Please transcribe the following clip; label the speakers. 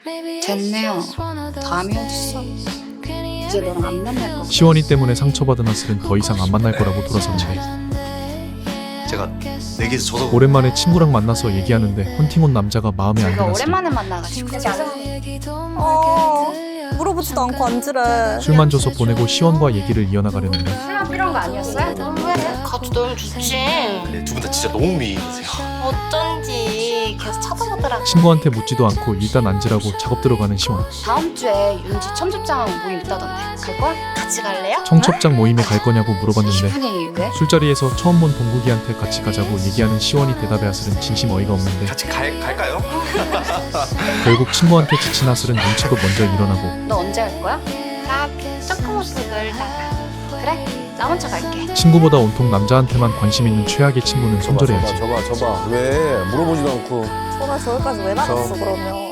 Speaker 1: 됐네요. 다음이 어딨어. 이제 너랑 안 만날 거고.
Speaker 2: 시원이 때문에 상처받은 하슬은 더 이상 안 만날 거라고 돌아섰는데
Speaker 3: 제가 내게서 저도
Speaker 2: 오랜만에 친구랑 만나서 얘기하는데 헌팅 온 남자가 마음에 안
Speaker 1: 우리가
Speaker 2: 들었으니
Speaker 1: 오랜만에 만나가지고.
Speaker 4: 물어보지도 않고 앉으래.
Speaker 2: 술만 줘서 보내고 시원과 얘기를 이어나가려는데
Speaker 1: 술만 필요한 거 아니었어요?
Speaker 5: 같이 놀면 좋지.
Speaker 3: 근데 두 분 다 진짜 너무 미인이세요.
Speaker 5: 어쩐지 계속 쳐다보더라고.
Speaker 2: 친구한테 묻지도 않고 일단 앉으라고 작업 들어가는 시원.
Speaker 1: 다음 주에 윤지 첨첩장 모임 있다던데. 갈 거야?
Speaker 5: 같이 갈래요?
Speaker 2: 청첩장 모임에 갈 거냐고 물어봤는데
Speaker 1: 기분이 왜?
Speaker 2: 술자리에서 처음 본 동국이한테 같이 가자고 얘기하는 시원이 대답에 하슬은 진심 어이가 없는데
Speaker 3: 같이 갈까요?
Speaker 2: 결국 친구한테 지친 하슬은 눈치껏 먼저 일어나고
Speaker 1: 너 언제 갈 거야?
Speaker 5: 나 조금 없이 놀다가.
Speaker 1: 그래? 나 먼저 갈게.
Speaker 2: 친구보다 온통 남자한테만 관심 있는 최악의 친구는 손절해야지.
Speaker 6: 저봐 왜 물어보지도 않고
Speaker 4: 전화 저기까지 왜 나갔어 그러면?